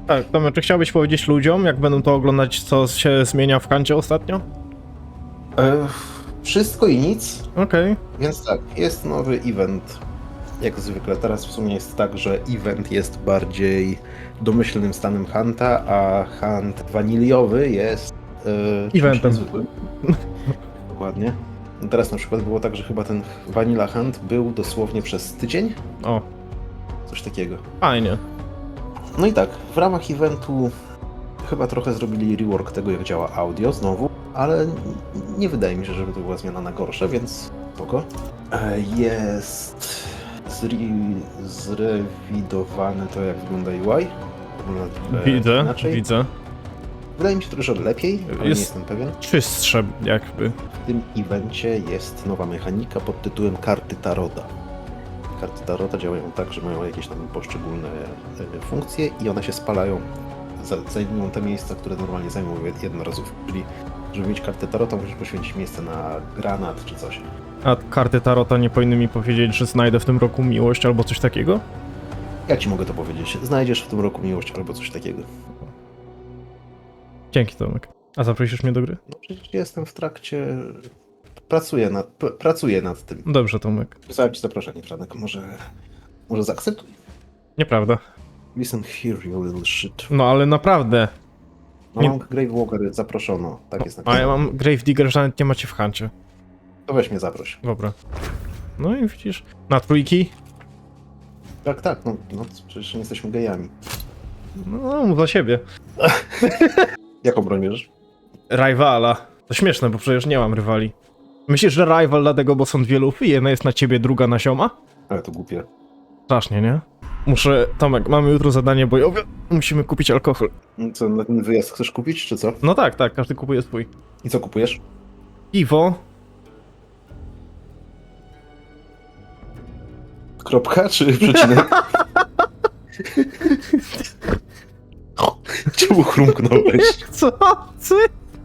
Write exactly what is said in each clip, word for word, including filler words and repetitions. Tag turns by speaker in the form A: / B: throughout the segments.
A: Tak, Tomek, czy chciałbyś powiedzieć ludziom, jak będą to oglądać, co się zmienia w Huncie ostatnio?
B: E, wszystko i nic.
A: Okej. Okay.
B: Więc tak, jest nowy event. Jak zwykle, teraz w sumie jest tak, że event jest bardziej domyślnym stanem Hunta, a Hunt waniliowy jest e,
A: eventem.
B: zwykłym. Dokładnie. No teraz na przykład było tak, że chyba ten Vanilla Hunt był dosłownie przez tydzień.
A: O.
B: Coś takiego.
A: Fajnie.
B: No i tak, w ramach eventu chyba trochę zrobili rework tego, jak działa audio znowu, ale nie wydaje mi się, żeby to była zmiana na gorsze, więc spoko. E, Jest zre... zrewidowane to, jak wygląda U I. Wygląda
A: Widzę,
B: inaczej.
A: widzę.
B: Wydaje mi się trochę, że lepiej, ale
A: Jest-
B: nie jestem pewien.
A: Czystsze jakby.
B: W tym evencie jest nowa mechanika pod tytułem karty Tarota. Karty Tarota działają tak, że mają jakieś tam poszczególne e, funkcje i one się spalają, za- zajmują te miejsca, które normalnie zajmują jed- jednorazówki. Czyli żeby mieć kartę Tarota, musisz poświęcić miejsce na granat czy coś.
A: A karty Tarota nie powinny mi powiedzieć, że znajdę w tym roku miłość albo coś takiego?
B: Ja ci mogę to powiedzieć. Znajdziesz w tym roku miłość albo coś takiego.
A: Dzięki, Tomek. A zaprosisz mnie do gry?
B: No przecież jestem w trakcie... Pracuję nad, p- pracuję nad tym.
A: Dobrze, Tomek.
B: Wysłałem ci zaproszenie, Franek. Może... Może zaakceptuj?
A: Nieprawda.
B: Listen here, you little shit.
A: No ale naprawdę.
B: No
A: Nie-
B: mam Gravewalker, zaproszono. Tak jest
A: A
B: napisane.
A: ja mam Gravedigger, że nawet nie macie w Huncie.
B: To weź mnie zaproś.
A: Dobra. No i widzisz. Na trójki?
B: Tak, tak, no, no przecież nie jesteśmy gejami.
A: No, mów za siebie.
B: Jaką broń bierzesz?
A: Rywala. To śmieszne, bo przecież nie mam rywali. Myślisz, że rival dlatego, bo są dwie lufy? Jedna jest na ciebie, druga na sioma?
B: Ale to głupie.
A: Strasznie, nie? Muszę... Tomek, mamy jutro zadanie bojowe. Musimy kupić alkohol.
B: Co, na ten wyjazd chcesz kupić, czy co?
A: No tak, tak, każdy kupuje swój.
B: I co kupujesz?
A: Piwo.
B: Kropka, czy przecinek? Czemu chrumknąłeś?
A: Chcący!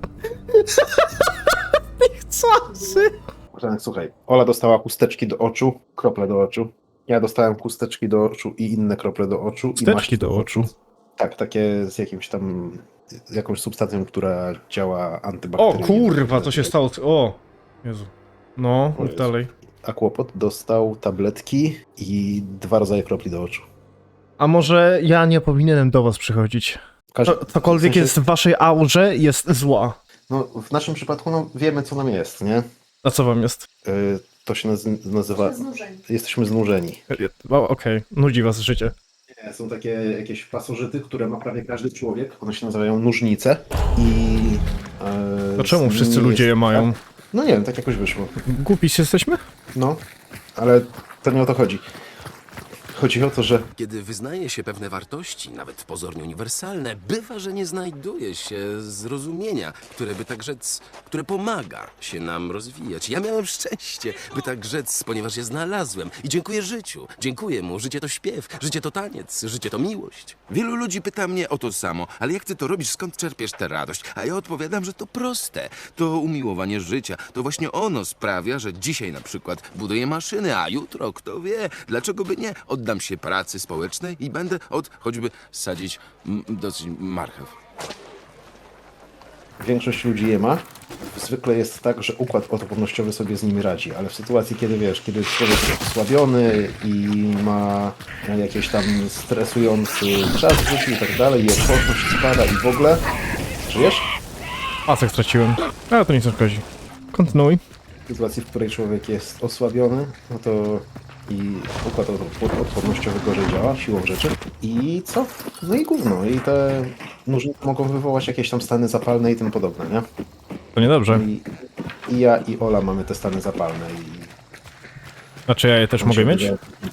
A: Chcący!
B: Franek, słuchaj, Ola dostała chusteczki do oczu, krople do oczu. Ja dostałem chusteczki do oczu i inne krople do oczu. i
A: Chusteczki
B: maść
A: do oczu?
B: Tak, takie z jakimś tam... jakąś substancją, która działa
A: O
B: antybakteryjnie.
A: kurwa, co się stało? z- O! Jezu. No,
B: O
A: mów
B: Jezu.
A: dalej.
B: A Kłopot dostał tabletki i dwa rodzaje kropli do oczu.
A: A może ja nie powinienem do was przychodzić?
B: Każdy,
A: Co, cokolwiek
B: w sensie-
A: jest w waszej aurze, jest zła.
B: No, w naszym przypadku no, wiemy, co nam jest, nie?
A: A co wam jest?
B: Y, to się naz- nazywa...
C: Znużeni.
B: Jesteśmy znużeni.
A: O, okej, nudzi was życie.
B: Nie, są takie jakieś pasożyty, które ma prawie każdy człowiek. One się nazywają nóżnice i... e,
A: To czemu
B: z
A: wszyscy
B: nimi
A: ludzie
B: jest-
A: je mają?
B: No nie wiem, tak jakoś wyszło.
A: Głupi jesteśmy?
B: No, ale to nie o to chodzi. Chodzi o to, że
D: Kiedy wyznaje się pewne wartości, nawet pozornie uniwersalne, bywa, że nie znajduje się zrozumienia, które by tak rzec, które pomaga się nam rozwijać. Ja miałem szczęście, by tak rzec, ponieważ je znalazłem. I dziękuję życiu. Dziękuję mu. Życie to śpiew, życie to taniec, życie to miłość. Wielu ludzi pyta mnie o to samo, ale jak ty to robisz, skąd czerpiesz tę radość? A ja odpowiadam, że to proste. To umiłowanie życia. To właśnie ono sprawia, że dzisiaj na przykład buduję maszyny, a jutro, kto wie, dlaczego by nie? Oddam się pracy społecznej i będę od choćby sadzić m, dosyć marchew.
B: większość ludzi je ma. Zwykle jest tak, że układ odpornościowy sobie z nimi radzi, ale w sytuacji, kiedy wiesz, kiedy człowiek jest osłabiony i ma jakiś tam stresujący czas w życiu i tak dalej, i odporność spada i w ogóle... Żyjesz?
A: Pasek straciłem. Ale to nic nie szkodzi. Kontynuuj.
B: W sytuacji, w której człowiek jest osłabiony, no to i układ odpo- odpornościowy gorzej działa, siłą rzeczy. I co? No i gówno. I te nóżnice mogą wywołać jakieś tam stany zapalne i tym podobne, nie?
A: To niedobrze.
B: I, i ja i Ola mamy te stany zapalne i...
A: Znaczy ja je też mogę mieć?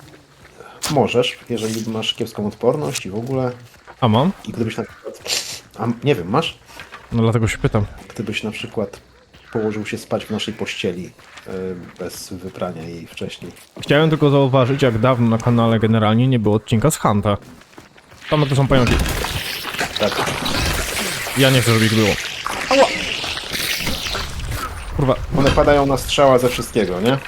B: Możesz, jeżeli masz kiepską odporność i w ogóle.
A: A mam?
B: I gdybyś na przykład... A nie wiem, masz?
A: No dlatego się pytam.
B: Gdybyś na przykład położył się spać w naszej pościeli yy, bez wyprania jej wcześniej.
A: Chciałem tylko zauważyć, jak dawno na kanale generalnie nie było odcinka z Hunta. Tam to są pająki.
B: Tak.
A: Ja nie chcę, żeby ich było. Ała! Kurwa,
B: One padają na strzała ze wszystkiego, nie?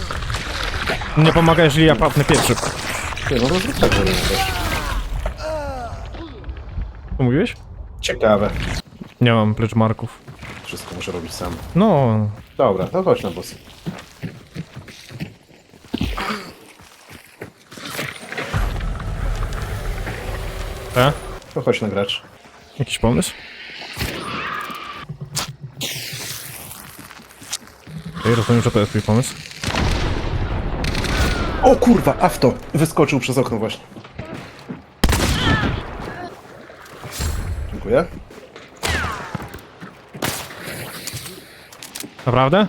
A: nie pomaga, jeżeli ja papnę pierwszy.
B: Ty, no to zrób tak, żeby nie też.
A: Co mówiłeś?
B: Ciekawe.
A: Nie mam pleczmarków.
B: Wszystko muszę robić sam.
A: No,
B: Dobra, to chodź na bossy.
A: e?
B: To chodź na gracz.
A: Jakiś pomysł? Ej, rozumiem, że to jest twój pomysł.
B: O kurwa, awto! Wyskoczył przez okno właśnie. Dziękuję.
A: Naprawdę?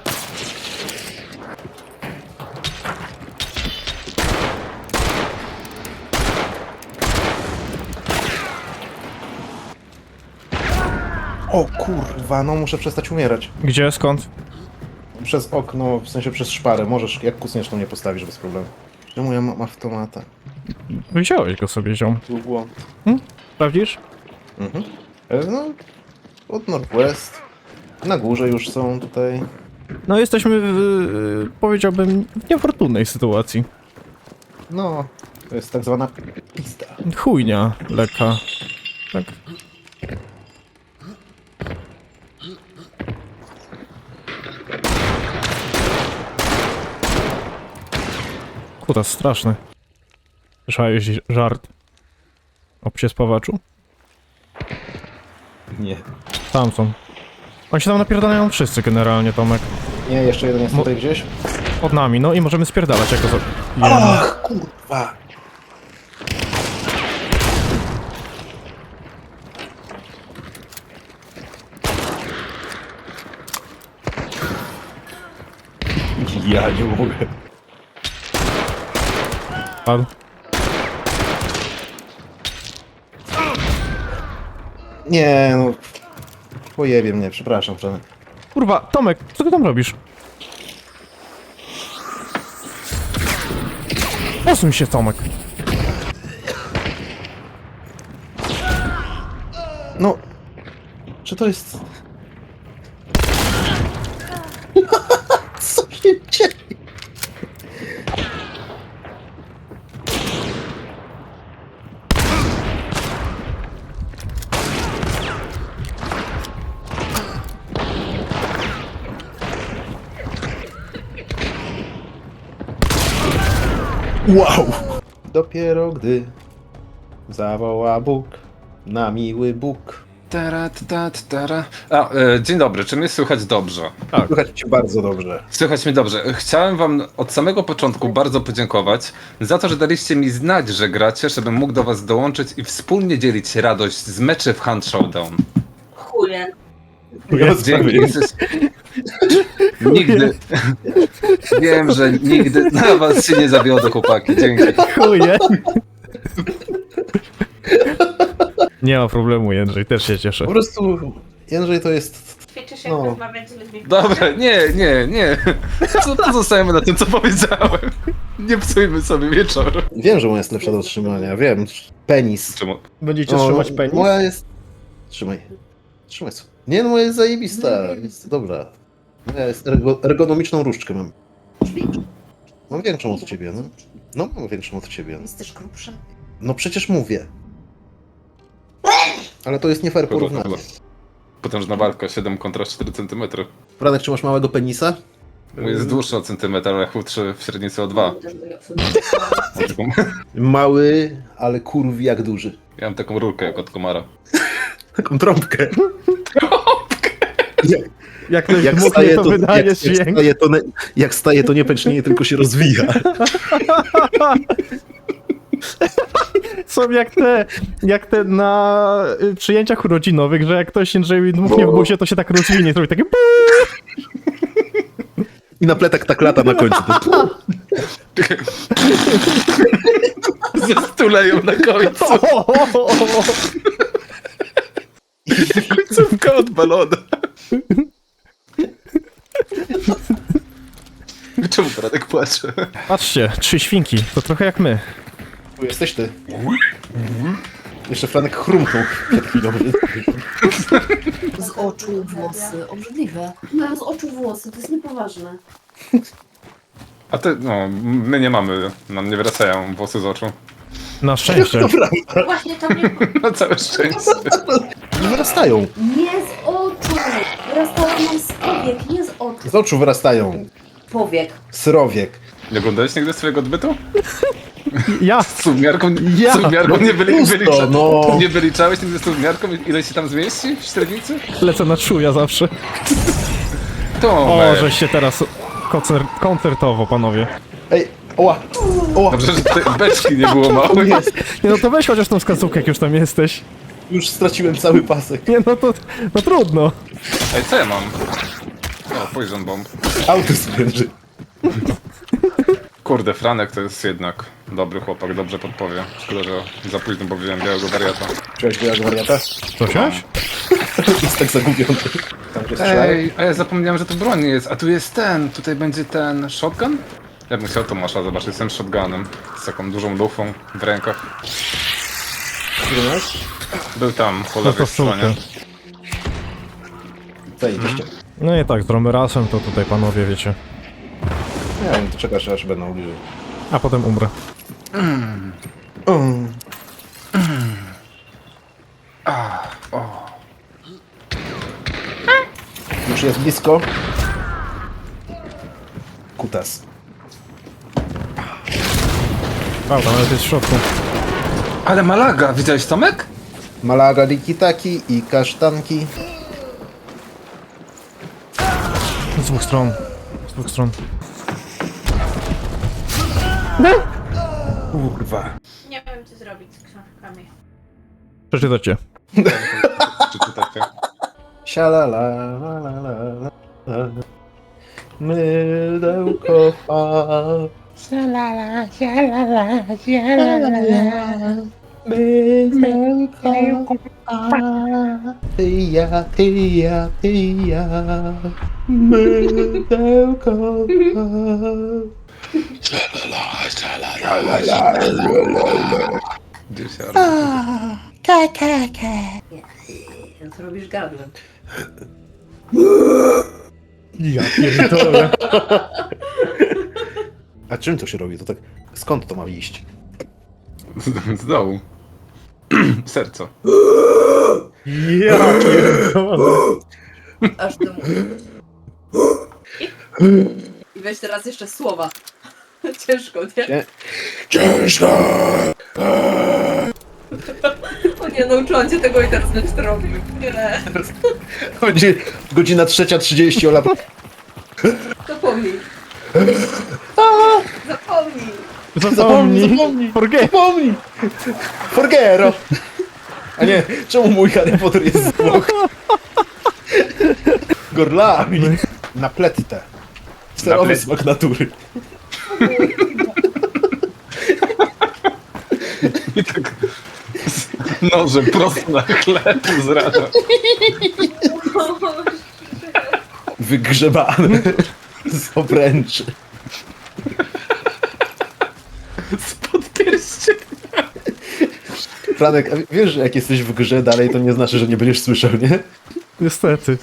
B: O kurwa, no muszę przestać umierać.
A: Gdzie, skąd?
B: Przez okno, w sensie przez szparę. Możesz, jak kusniesz, to mnie postawisz bez problemu. Czemu ja mam automata?
A: Wziąłeś go sobie, ziom.
B: Był błąd.
A: Sprawdzisz?
B: Mhm. E, No, od Northwest. Na górze już są tutaj.
A: No, jesteśmy w, y, powiedziałbym, w niefortunnej sytuacji.
B: No, to jest tak zwana pista.
A: Chujnia lekka. Tak. Kutas straszny. Słyszałeś żart o psie spawaczu?
B: Nie.
A: Tam są. Oni się tam napierdalają wszyscy generalnie, Tomek.
B: Nie, jeszcze jeden jest
A: Mo-
B: tutaj gdzieś.
A: Od nami, no i możemy spierdalać jako za...
B: Ach, kurwa! Ja nie mogę.
A: Padł.
B: Nie, no. Pojebie mnie, przepraszam, Przemek.
A: Kurwa, Tomek, co ty tam robisz? Posuń się, Tomek.
B: No. Czy to jest... Co się dzieje? Wow! Dopiero gdy zawoła Bóg, na miły Bóg.
C: Tara, tara, tara. A, e, dzień dobry, czy mnie słychać dobrze?
B: Słychać cię bardzo dobrze.
C: Słychać mnie dobrze. Chciałem wam od samego początku bardzo podziękować za to, że daliście mi znać, że gracie, żebym mógł do was dołączyć i wspólnie dzielić radość z meczy w Hunt Showdown.
E: Chuje.
C: Dzięki. Nigdy. Wiem, że nigdy na was się nie zawiodę, chłopaki. Dzięki.
A: Chuje. Nie ma problemu, Jędrzej, też się cieszę.
B: Po prostu Jędrzej to jest...
E: Ćwiczysz jak
B: No.
E: rozmawiać z ludźmi.
C: Dobra, nie, nie, nie. Co, pozostajemy na tym, co powiedziałem. Nie psujmy sobie wieczoru.
B: Wiem, że moja jest lepsza do trzymania, wiem. Penis.
C: Czemu?
A: Będziecie
B: O,
A: trzymać penis?
B: Moja jest... Trzymaj. Trzymaj sobie. Nie, no moja jest zajebista. Jest dobra. Moja jest ergo, ergonomiczną różdżkę mam. Mam większą od ciebie, no. No, mam większą od ciebie.
E: Jesteś grubszy.
B: No przecież mówię. Ale to jest nie fair porównanie.
C: Potężna walka, siedem kontra cztery centymetry.
B: Franek, czy masz małego penisa?
C: Mój jest dłuższy o centymetr, ale chudszy w średnicy o dwa.
B: Mały, ale kurwi jak duży.
C: Ja mam taką rurkę jak od komara.
B: Taką trąbkę. Jak,
A: Jak ktoś
B: jak,
A: dmuchnie,
B: staje,
A: to
B: to,
A: wydaje
B: jak, jak,
A: dźwięk.
B: staje, to ne, jak staje, to nie pęcznieje, tylko się rozwija.
A: Są jak te, jak te na y, przyjęciach urodzinowych, że jak ktoś Jędrzejowi dmuchnie w busie, to się tak rozwinie, zrobi takie
B: I na pletak tak lata na końcu. To...
C: Zestuleją na końcu. Końcówka odbalona. Czemu Radek płacze?
A: Patrzcie, trzy świnki, to trochę jak my.
B: Tu jesteś ty. Jeszcze Franek chrumknął przed chwilą.
E: Z oczu włosy. Obrzydliwe. Mają z oczu włosy, to jest niepoważne.
C: A ty, no, my nie mamy, nam nie wracają włosy z oczu.
A: Na szczęście.
B: Dobra,
E: Właśnie to mnie...
C: Na całe szczęście.
B: nie wyrastają.
E: Nie z oczu! Wyrastało nam z powiek, nie z oczu.
B: Z oczu wyrastają.
E: Powiek.
B: Srowiek.
C: Nie oglądałeś nigdy swojego odbytu?
A: Ja!
C: Z suwmiarką,
A: Ja.
C: suwmiarką nie, byli,
B: Pusto,
C: wylicza,
B: no.
C: nie wyliczałeś nigdy z suwmiarką, ile się tam zmieści w średnicy?
A: Lecę na czuja zawsze.
C: To
A: O, żeście teraz koncer koncertowo, panowie.
B: Ej, oła, oła.
C: Dobrze, że tej beczki nie było małe.
B: Jest.
A: Nie no to weź chociaż tą wskazówkę, jak już tam jesteś.
B: Już straciłem cały pasek.
A: Nie no to, no trudno.
C: Ej, co ja mam? O, poison bomb.
B: Auto spręży.
C: Kurde, Franek to jest jednak dobry chłopak, dobrze podpowie. Szkoda, że za późno, bo wziąłem białego wariata.
B: Czułeś białego wariata?
A: Co chciałeś?
B: Jest tak zagubiony. Tam gdzie strzelają.
C: Ej, a ja zapomniałem, że to broń nie jest, a tu jest ten, tutaj będzie ten shotgun? Ja bym chciał Tomasza zobaczyć, jestem shotgunem, z taką dużą lufą w rękach.
B: Gdzie masz?
C: Był tam, po
A: No
C: lewej
A: to w
C: stronie.
A: czółkę.
B: Zajebiście.
A: No i tak, z Romerasem to tutaj panowie wiecie.
B: Nie wiem, to czekasz aż będą bliżej.
A: A potem umrę.
B: Już jest blisko. Kutas.
A: Prawda, ale to jest w środku.
C: Ale Malaga, widziałeś Tomek?
B: Malaga, rikitaki i kasztanki.
A: Z dwóch stron. Z dwóch stron.
B: Kurwa.
F: Nie wiem, co zrobić z książkami.
A: Przeczytacie.
C: Przeczytajcie.
B: Sialala, la, la, la, la. Mydełko fa. Sialala, sialala, sialala. Mydełko fa. Ty ja, ty ja, ty ja. Mydełko
C: Gdzie się
E: Co robisz gardłem?
A: Ja pierdolę.
B: A czym to się robi? To tak, skąd to ma iść?
C: Z, z dołu. Serco.
A: Ja pierdolę.
E: Aż ty I weź teraz jeszcze słowa. Ciężko, nie?
B: Nie. Ciężko!
E: O nie, nauczyłam cię tego i teraz będziesz to robił. Nie,
B: Będzie godzina trzecia trzydzieści, Ola.
E: zapomnij. Zapomnij.
A: Zapomnij.
B: zapomnij.
A: Forget.
B: Zapomnij! Forgero! A nie, czemu mój Harry Potter jest z Włoch? Gorlami! Na plettę. Sterowy
C: plet-
B: smak natury.
C: I tak nożem prosto na chleb z rana.
B: Wygrzebane z obręczy.
C: Spod pierścienia.
B: Franek, a wiesz, że jak jesteś w grze dalej, to nie znaczy, że nie będziesz słyszał, nie?
A: Niestety.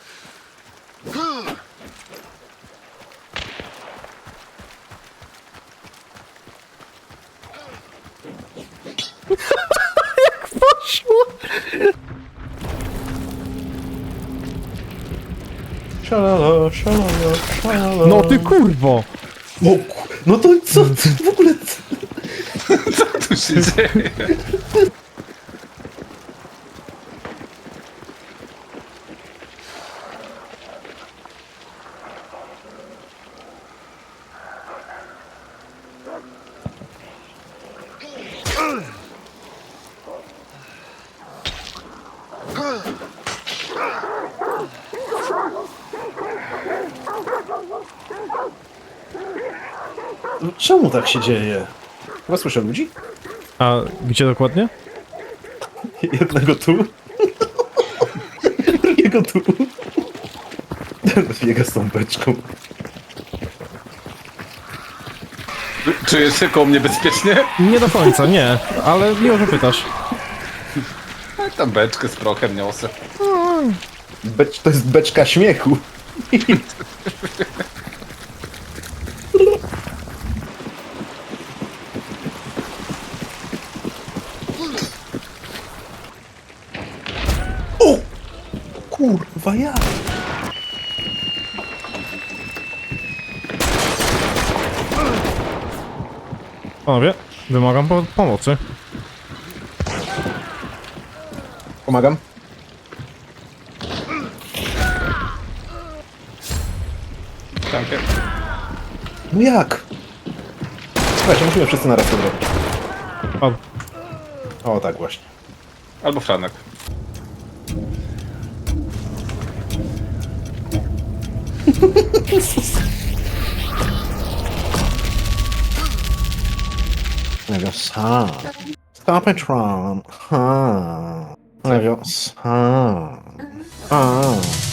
A: Jak poszło?
B: Szalala, szalala, szalala.
A: No ty kurwo.
B: O, ku- no to co ty w ogóle?
C: Co tu się dzieje?
B: Czemu tak się dzieje? Chyba słyszę ludzi?
A: A gdzie dokładnie?
B: Jednego tu. Drugiego tu. Biega z tą beczką.
C: Czujesz się koło mnie bezpiecznie?
A: Nie do końca, nie. Ale miło, że pytasz.
C: A tam beczkę z prochem niosę.
B: Becz, to jest beczka śmiechu. Kurwa, ja!
A: Panowie, wymagam po pomocy.
B: Pomagam.
C: Tankie.
B: No jak? Słuchajcie, musimy wszyscy naraz to zrobić.
A: Padł.
B: O, tak właśnie.
C: Albo Franek.
B: Lewio, sam. Stop it, Ron. Ha. Lewio, sam. A.